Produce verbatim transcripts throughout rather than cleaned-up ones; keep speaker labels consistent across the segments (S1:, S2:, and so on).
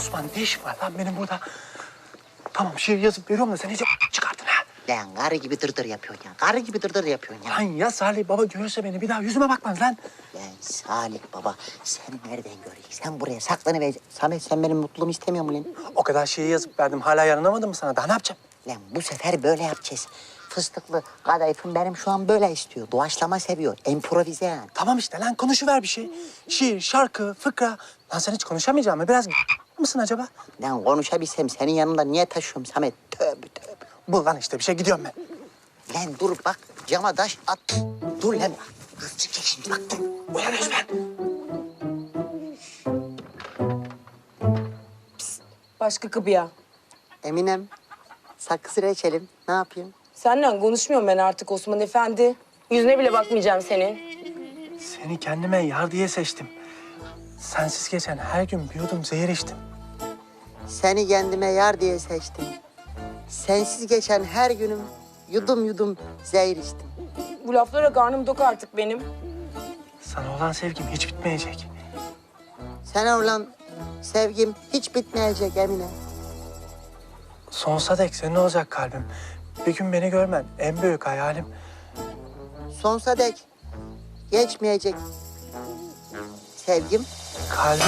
S1: Osman ne işin var lan benim burada? Tamam şiir yazıp veriyorum da sen iyice çıkarttın ha.
S2: Lan karı gibi dırdır yapıyorsun ya. Karı gibi dırdır yapıyorsun ya.
S1: Lan ya Salih baba görürse beni bir daha yüzüme bakmaz lan.
S2: Lan Salih baba seni nereden göreyim? Sen buraya saklanıvereceksin. Samet sen benim mutluluğumu istemiyor musun lan?
S1: O kadar şiir yazıp verdim hala yaranamadım mı sana? Daha ne yapacağım?
S2: Lan bu sefer böyle yapacağız. Fıstıklı kadayıfım benim şu an böyle istiyor. Doğaçlama seviyor. Improvize yani.
S1: Tamam işte lan konuşuver bir şey. Şiir, şarkı, fıkra. Lan sen hiç konuşamayacak mısın? Biraz mısın acaba?
S2: Lan konuşabilsem senin yanında niye taşıyorum Samet? Tövbe tövbe.
S1: Bul lan işte bir şey gidiyorum ben.
S2: Lan dur bak cama taş at. Dur lan. Kız çıkacak şimdi bak dur.
S1: Uyan Özben.
S3: Başka kapıya.
S2: Eminem sakız reçelim. Ne yapayım?
S3: Seninle konuşmuyorum ben artık Osman Efendi. Yüzüne bile bakmayacağım senin.
S1: Seni kendime yar diye seçtim. Sensiz geçen her gün bir yudum zehir içtim.
S2: Seni kendime yar diye seçtim. Sensiz geçen her günüm yudum yudum zehir içtim.
S3: Bu laflara karnım tok artık benim.
S1: Sana olan sevgim hiç bitmeyecek.
S2: Sana olan sevgim hiç bitmeyecek Emine.
S1: Sonsuza dek senin olacak kalbim. Bir gün beni görmen en büyük hayalim.
S2: Sonsuza dek geçmeyecek sevgim.
S1: Kalbim...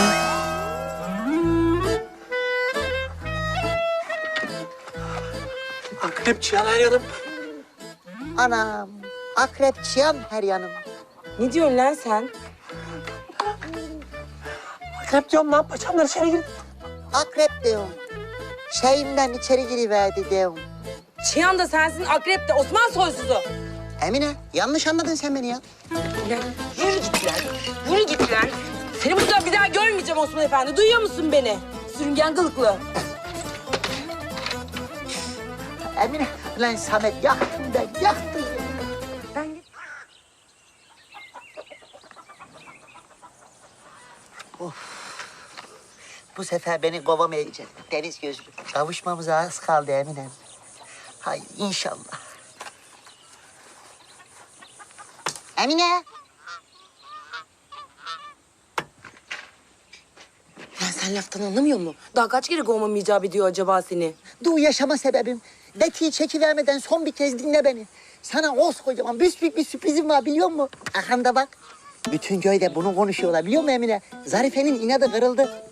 S1: Akrep çıyan her yanım.
S2: Anam, akrep çıyan her yanım.
S3: Ne diyorsun lan sen?
S1: Akrep diyorum lan paçamdan içeri gir.
S2: Akrep diyorum. Şeyimden içeri giriverdi diyorum.
S3: Çıyan da sensin, akrep de Osman soysuzu.
S2: Emine, yanlış anladın sen beni ya.
S3: Ulan yürü git lan, yürü git lan. Seni burada bir daha görmeyeceğim Osman Efendi. Duyuyor musun beni? Sürüngen kılıklı.
S2: Emine, lan Samet yaktın ben, yaktın ya.
S3: Ben...
S2: Bu sefer beni kovamayacak. Deniz gözlü. Kavuşmamıza az kaldı Emine. Hayır, inşallah. Emine.
S3: Lan sen laftan anlamıyor musun? Daha kaç kere kovmam icap ediyor acaba seni?
S2: Dur yaşama sebebim. Beti'yi çekivermeden son bir kez dinle beni. Sana koskocaman büyük bir sürprizim var biliyor musun? Arkanda bak. Bütün köyde bunu konuşuyorlar biliyor musun Emine? Zarife'nin inadı kırıldı.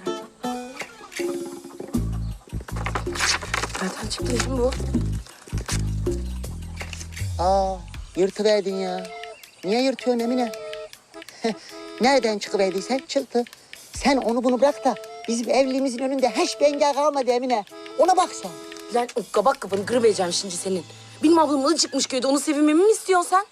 S3: Nereden çıktı lan bu?
S2: Aa, yırtıverdin ya. Niye yırtıyorsun Emine? Nereden çıkıverdiysen çıktı. Sen onu bunu bırak da bizim evliliğimizin önünde hiç bengel kalmadı Emine. Ona bak sen.
S3: Lan o kabak kafanı kırıvereceğim şimdi senin. Benim ablam adı çıkmış köyde, onu sevinmemi mi istiyorsun sen?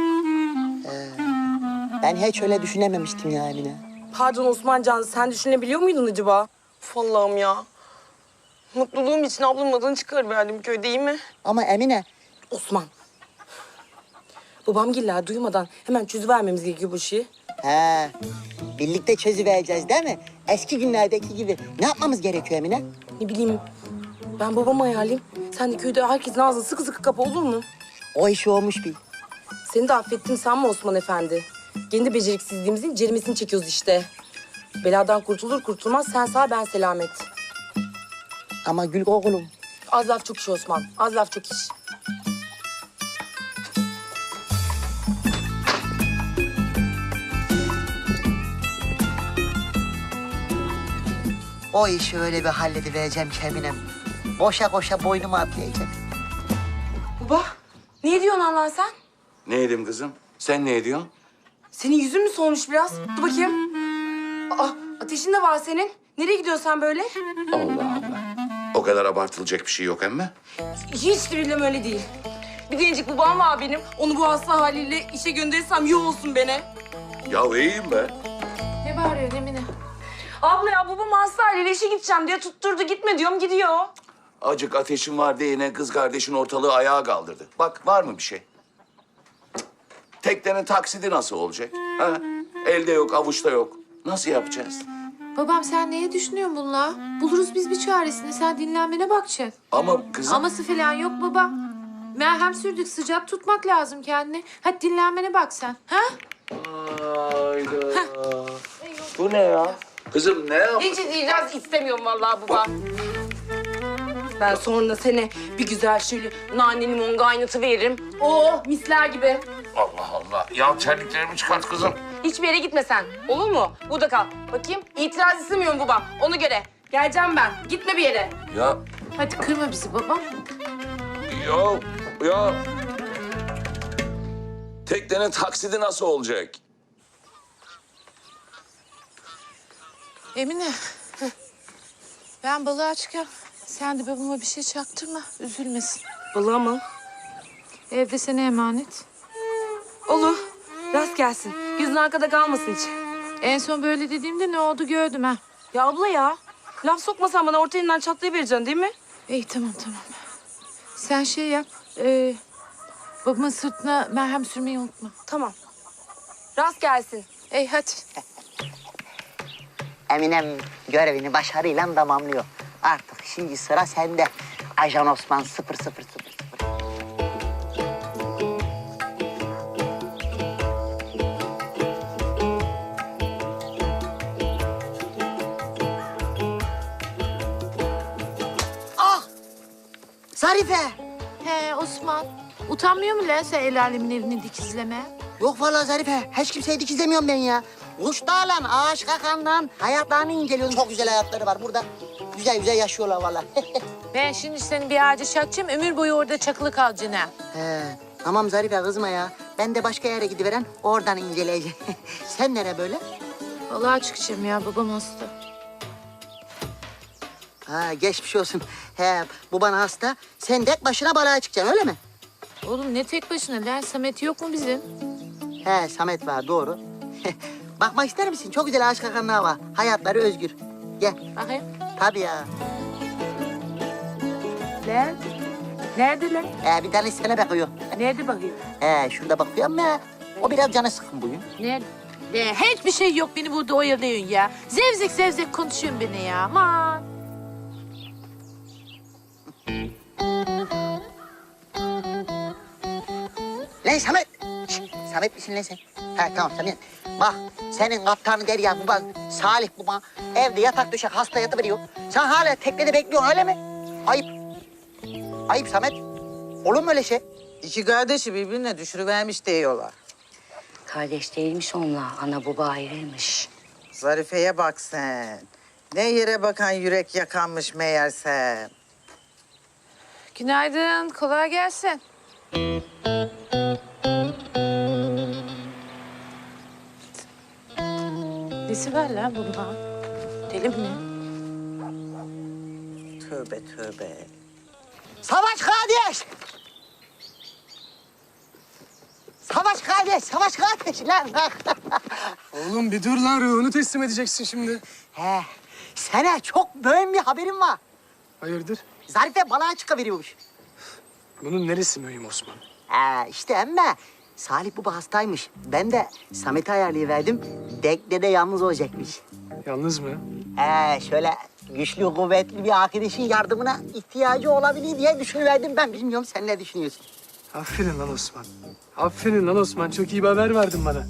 S2: Ben hiç öyle düşünememiştim ya Emine.
S3: Pardon Osmancan, sen düşünebiliyor muydun acaba? Uf Allah'ım ya. Mutluluğum için ablamın adını çıkarıverdim köyde, iyi mi?
S2: Ama Emine,
S3: Osman. Babamgiller duymadan hemen çözüvermemiz gerekiyor bu işi.
S2: he, birlikte çözüvereceğiz değil mi? Eski günlerdeki gibi. Ne yapmamız gerekiyor Emine?
S3: Ne bileyim, ben babamı hayaleyim. Sen de köyde herkesin ağzını sıkı sıkı kapa, olur mu?
S2: O iş olmuş bir.
S3: Seni de affettim sanma Osman Efendi. Kendi beceriksizliğimizin ceremesini çekiyoruz işte. Beladan kurtulur kurtulmaz sen sağ ben selamet.
S2: Ama gül oğlum.
S3: Az laf çok iş Osman, az laf çok iş.
S2: O işi öyle bir halledivereceğim ki Eminem. Boşa koşa boynumu atlayacak.
S3: Baba, ne diyorsun Allah sen?
S4: Ne edeyim kızım? Sen ne ediyorsun?
S3: Senin yüzün mü solmuş biraz? Dur bakayım. Aa, ateşin de var senin. Nereye gidiyorsun sen böyle?
S4: Allah Allah. O kadar abartılacak bir şey yok emme.
S3: Hiç de bilmem öyle değil. Bir gencik babam var benim. Onu bu hasta haliyle işe gönderirsem yuh olsun beni.
S4: Ya iyiyim be.
S5: Ne bağırıyorsun Emine?
S3: Abla ya babam hasta haliyle işe gideceğim diye tutturdu. Gitme diyorum, gidiyor.
S4: Acık ateşin var diye yine kız kardeşin ortalığı ayağa kaldırdı. Bak var mı bir şey? Cık. Teknenin taksidi nasıl olacak? Ha? Elde yok, avuçta yok. Nasıl yapacağız?
S5: Babam sen neye düşünüyorsun bununla? Buluruz biz bir çaresini. Sen dinlenmene bakacaksın.
S4: Ama kızım...
S5: Aması falan yok baba. Merhem sürdük, sıcak tutmak lazım kendini. Hadi dinlenmene bak sen. Ha?
S4: Hayda. Bu ne ya? Kızım ne yap?
S3: Hiç itiraz istemiyorum vallahi baba. Ben sonra seni bir güzel şöyle nane limon kaynatı veririm. Oo misler gibi.
S4: Allah Allah. Ya terliklerimi çıkart kızım.
S3: Hiçbir yere gitme sen. Olur mu? Burada kal. Bakayım. İtiraz istemiyorum baba. Ona göre. Geleceğim ben. Gitme bir yere.
S4: Ya,
S5: Hadi kırma bizi babam.
S4: ya, ya. Teknenin taksidi nasıl olacak?
S5: Emine. heh. Ben balığa çıkıyorum. Sen de babama bir şey çaktırma. Üzülmesin.
S3: Balığa mı?
S5: Evde sana emanet.
S3: Olur. Rast gelsin. Gözün arkada kalmasın hiç.
S5: En son böyle dediğimde ne oldu gördüm ha.
S3: Ya abla ya. Laf sokmasan bana orta elinden çatlayıvereceksin değil mi?
S5: İyi tamam tamam. Sen şey yap. E, babamın sırtına merhem sürmeyi unutma.
S3: Tamam. Rast gelsin.
S5: Ey hadi.
S2: Eminem görevini başarıyla tamamlıyor. Artık şimdi sıra sende. Ajan Osman sıfır sıfır sıfır sıfır. Ah! Zarife!
S5: He Osman. Utanmıyor mu lan sen el alemin evini dikizleme?
S2: Yok vallahi Zarife, hiç kimseyi dikizlemiyorum ben ya. Kuş dağlan, ağaç kakandan hayatlarını inceliyorum. Çok güzel hayatları var burada. Güzel güzel yaşıyorlar vallahi.
S5: Ben şimdi seni bir ağaca çakacağım. Ömür boyu orada çakılı kalacaksın ha.
S2: He, tamam Zarife kızma ya. Ben de başka yere gidiveren oradan inceleyeceğim. Sen nere böyle?
S5: Balığa çıkacağım ya. Babam hasta.
S2: Ha geçmiş olsun. He, bu bana hasta. Sen tek başına balığa çıkacaksın öyle mi?
S5: Oğlum ne tek başına lan? Samet yok mu bizim?
S2: He, Samet var doğru. Bakmak ister misin? Çok güzel ağaç kakanlar var. Hayatları özgür. Gel.
S5: Bakayım.
S2: Tabii ya.
S5: Lan? Nerede lan?
S2: He, bir tane sana bakıyor.
S5: Nerede bakayım?
S2: He, şurada bakıyor ama o biraz canı sıkın bugün.
S5: Nerede? Ne, hiçbir şey yok. Beni burada oyalıyorsun ya. Zevzek zevzek konuşuyorsun beni ya. Aman.
S2: Lan Samet! Şşt, Samet misin lan sen? Ha tamam Samet. Bak senin kaptanı Derya baban, Salih baba evde yatak döşek hasta yatıveriyor. Sen hala teknede bekliyorsun öyle mi? Ayıp. Ayıp Samet. Olur mu öyle şey?
S6: İki kardeşi birbirine düşürüvermiş diyorlar.
S7: Kardeş değilmiş onlar, ana baba ayrıymış.
S6: Zarife'ye bak sen. Ne yere bakan yürek yakanmış meğerse.
S5: Günaydın. Kolay gelsin. Nesi var lan bundan? Deli mi ne?
S6: Tövbe tövbe.
S2: Savaş kardeş! Savaş kardeş, savaş kardeş lan.
S1: Oğlum bir dur lan, ruhunu teslim edeceksin şimdi.
S2: He, sana çok mühim bir haberim var.
S1: Hayırdır?
S2: Zarife balığa çıkıveriyormuş.
S1: Bunun neresi mühim Osman?
S2: He, işte ama Salih baba hastaymış. Ben de Samet'i ayarlayıverdim. Teknede yalnız olacakmış.
S1: Yalnız mı?
S2: He, şöyle güçlü, kuvvetli bir arkadaşın yardımına ihtiyacı olabilir diye düşünüverdim ben. Bilmiyorum sen ne düşünüyorsun?
S1: Aferin lan Osman. Aferin lan Osman. Çok iyi bir haber verdin bana.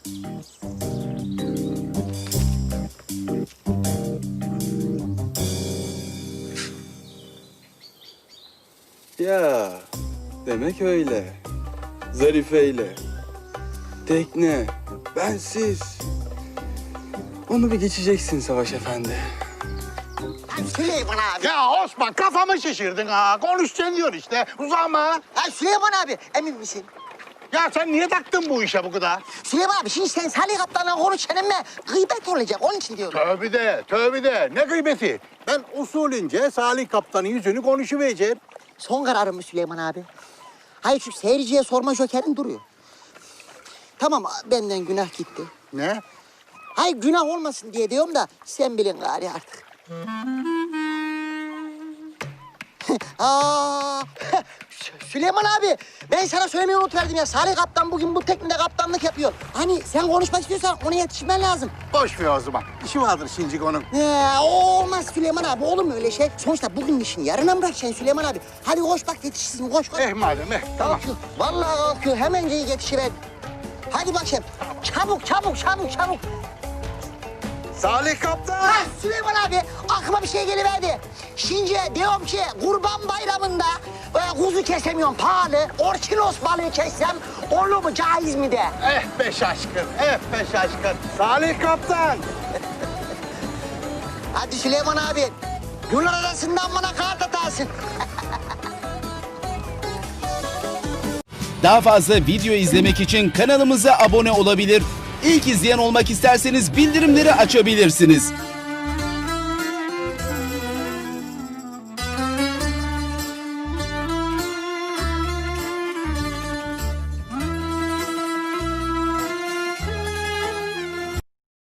S8: Ya demek öyle. Zarife'yle. Tekne. Bensiz. Onu bir geçeceksin Savaş Efendi.
S2: Lan Süleyman abi.
S9: Ya Osman kafamı şişirdin ha. Konuşacaksın diyor işte. Uzama.
S2: Lan Süleyman abi emin misin?
S9: Ya sen niye taktın bu işe bu kadar?
S2: Süleyman abi şimdi sen Salih Kaptan'la konuşacaksın ama gıybet olacak. Onun için diyorum.
S9: Tövbe de, tövbe de. Ne gıybeti? Ben usulünce Salih Kaptan'ın yüzünü konuşuvereceğim.
S2: Son kararım mı Süleyman abi? Hayır şu seyirciye sorma jokerin duruyor. Tamam benden günah gitti.
S9: Ne?
S2: Hayır günah olmasın diye diyorum da sen bilin gari artık. Aa, Sü- Süleyman abi ben sana söylemeyi unutverdim ya. Salih Kaptan bugün bu teknede kaptanlık yapıyor. Hani sen konuşmak istiyorsan ona yetişmen lazım.
S9: Boş ver o zaman. İşi vardır şimdi onun.
S2: Ee, o olmaz Süleyman abi olur mu öyle şey? Sonuçta bugün işini yarına mı bırakacaksın Süleyman abi? Hadi koş bak yetişsin koş koş.
S9: Eh madem eh. Tamam.
S2: Kalkıyor. Vallahi kalkıyor. Hemencik yetişiver. Hadi bakayım. Çabuk, çabuk, çabuk, çabuk.
S9: Salih Kaptan.
S2: Ha, Süleyman abi aklıma bir şey geliverdi. Şimdi diyorum ki Kurban Bayramı'nda e, kuzu kesemiyorum pahalı. Orkinos balığı kessem olur mu, caiz mi de?
S9: Eh be şaşkın, eh be şaşkın. Salih Kaptan.
S2: Hadi Süleyman abi yol arasından bana kart atarsın.
S10: Daha fazla video izlemek için kanalımıza abone olabilir. İlk izleyen olmak isterseniz bildirimleri açabilirsiniz.